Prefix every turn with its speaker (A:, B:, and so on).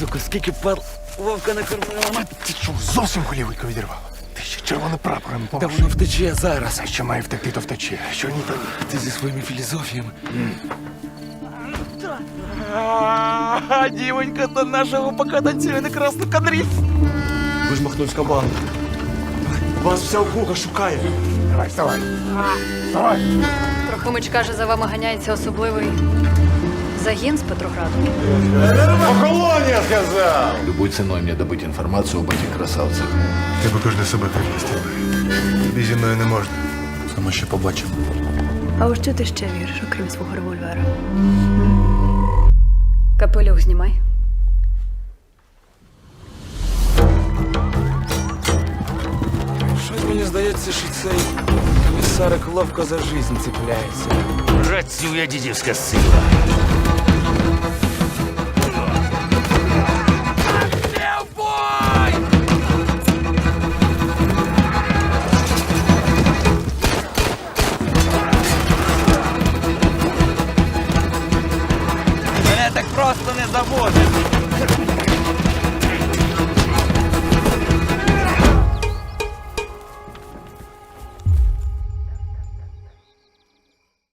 A: Славко, скільки пар Вовка накормила.
B: Ти що, зовсім голівку відірвало? Ти ще червоним прапором
A: Та
B: помаш.
A: воно втече зараз.
B: А що має втекти, то втече. А що ні, то ні.
A: Ти зі своїми філізофіями. Дівонька до нашого пока танцює на красну кадрі.
C: Ви ж махнувська банда. Вас вся округа шукає.
B: Давай, вставай. Вставай.
D: Трохимич каже, за вами ганяється особливий загін з Петрограду.
E: Любой ценой мне добыть информацию об этих красавцах.
B: Тебе кожне себе припустив. Тобі зі мною не можна.
C: А ми ще побачимо.
D: А у що ти ще віриш, окрім свого револьвера? Капелюх знімай.
A: Щось мені здається, що цей комісарик ловко за жизнь цепляється.
E: Працює дідівська сила.
A: Мене так просто не заводить.